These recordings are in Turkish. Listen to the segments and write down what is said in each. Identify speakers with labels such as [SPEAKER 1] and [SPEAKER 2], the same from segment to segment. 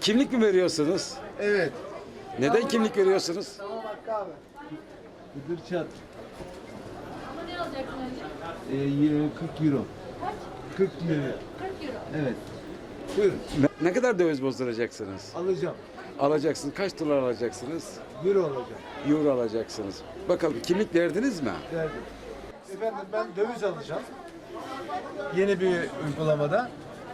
[SPEAKER 1] Kimlik mi veriyorsunuz?
[SPEAKER 2] Evet.
[SPEAKER 1] Neden kimlik veriyorsunuz?
[SPEAKER 2] Tamam Hakkı abi.
[SPEAKER 3] Kıdırçat.
[SPEAKER 4] Ama ne alacaksın önce?
[SPEAKER 3] 40 euro.
[SPEAKER 4] Kaç?
[SPEAKER 3] 40 lira.
[SPEAKER 4] 40 euro.
[SPEAKER 3] Evet. Buyurun.
[SPEAKER 1] Ne kadar döviz bozduracaksınız?
[SPEAKER 3] Alacağım.
[SPEAKER 1] Alacaksınız. Kaç dolar alacaksınız?
[SPEAKER 3] Euro alacağım.
[SPEAKER 1] Euro alacaksınız. Bakalım kimlik verdiniz mi?
[SPEAKER 3] Verdim.
[SPEAKER 2] Efendim ben döviz alacağım. Yeni bir uygulamada.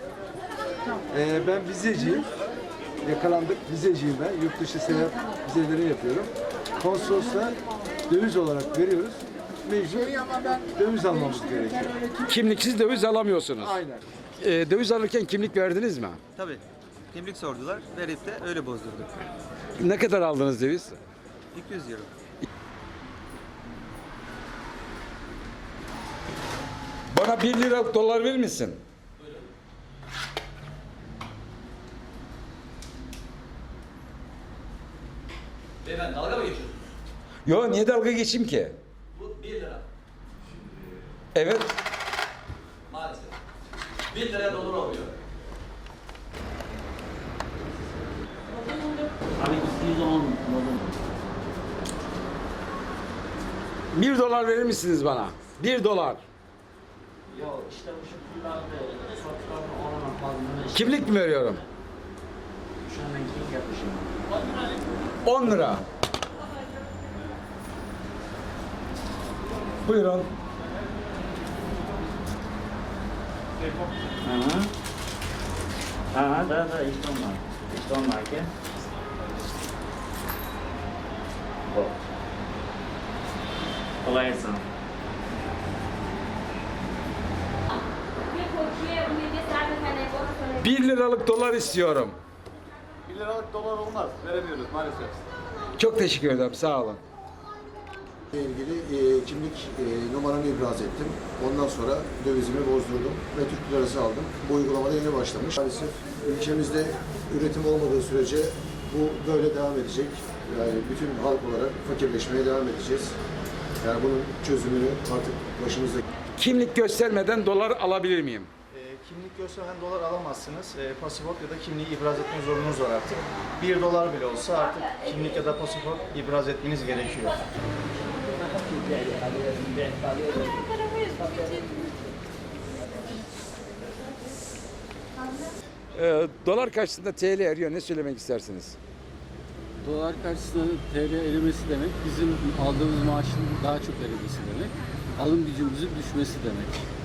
[SPEAKER 2] Ben vizeciyim. Yakalandık. Vizeciyim ben. Yurt dışı seyahat vizeleri yapıyorum. Konsolosla döviz olarak veriyoruz. Mecbur döviz almamız gerekiyor.
[SPEAKER 1] Kimliksiz döviz alamıyorsunuz.
[SPEAKER 2] Aynen.
[SPEAKER 1] Döviz alırken kimlik verdiniz mi?
[SPEAKER 5] Tabii. Kimlik sordular. Verip de öyle bozdurduk.
[SPEAKER 1] Ne kadar aldınız döviz?
[SPEAKER 5] 200 euro.
[SPEAKER 1] Bana 1 lira dolar verir misin?
[SPEAKER 6] Beyefendi dalga mı geçiyorsunuz?
[SPEAKER 1] Yo, niye dalga geçeyim ki?
[SPEAKER 6] Bu 1 lira.
[SPEAKER 1] Evet.
[SPEAKER 6] Maalesef. 1 liraya dolar oluyor.
[SPEAKER 7] Abi 210
[SPEAKER 1] 1 dolar verir misiniz bana? 1 dolar.
[SPEAKER 7] Yok işte bu şekillerde satışlarını alamam fazla.
[SPEAKER 1] Kimlik mi veriyorum?
[SPEAKER 7] Şu an ben kim yapmışım?
[SPEAKER 1] 10 lira. Buyurun.
[SPEAKER 7] Da işte onlar. İşte onlar ki. Bu. Kolay gelsin.
[SPEAKER 4] Bir koçuya bu yedi servis hani onu söyle.
[SPEAKER 1] 1 liralık dolar istiyorum.
[SPEAKER 2] 1 liralık dolar olmaz. Veremiyoruz maalesef.
[SPEAKER 1] Çok teşekkür ederim. Sağ olun.
[SPEAKER 8] ile ilgili kimlik numaramı ibraz ettim. Ondan sonra dövizimi bozdurdum ve Türk lirası aldım. Bu uygulamada yeni başlamış. Maalesef ülkemizde üretim olmadığı sürece bu böyle devam edecek. Yani bütün halk olarak fakirleşmeye devam edeceğiz. Yani bunun çözümünü artık başımızda.
[SPEAKER 1] Kimlik göstermeden dolar alabilir miyim?
[SPEAKER 9] Kimlik gösteren dolar alamazsınız. Pasaport ya da kimliği ibraz etme zorunuz var artık. 1 dolar bile olsa artık kimlik ya da pasaport ibraz etmeniz gerekiyor.
[SPEAKER 1] Dolar karşısında TL eriyor. Ne söylemek istersiniz?
[SPEAKER 10] Dolar karşısında TL erimesi demek bizim aldığımız maaşın daha çok erimesi demek. Alım gücümüzün düşmesi demek.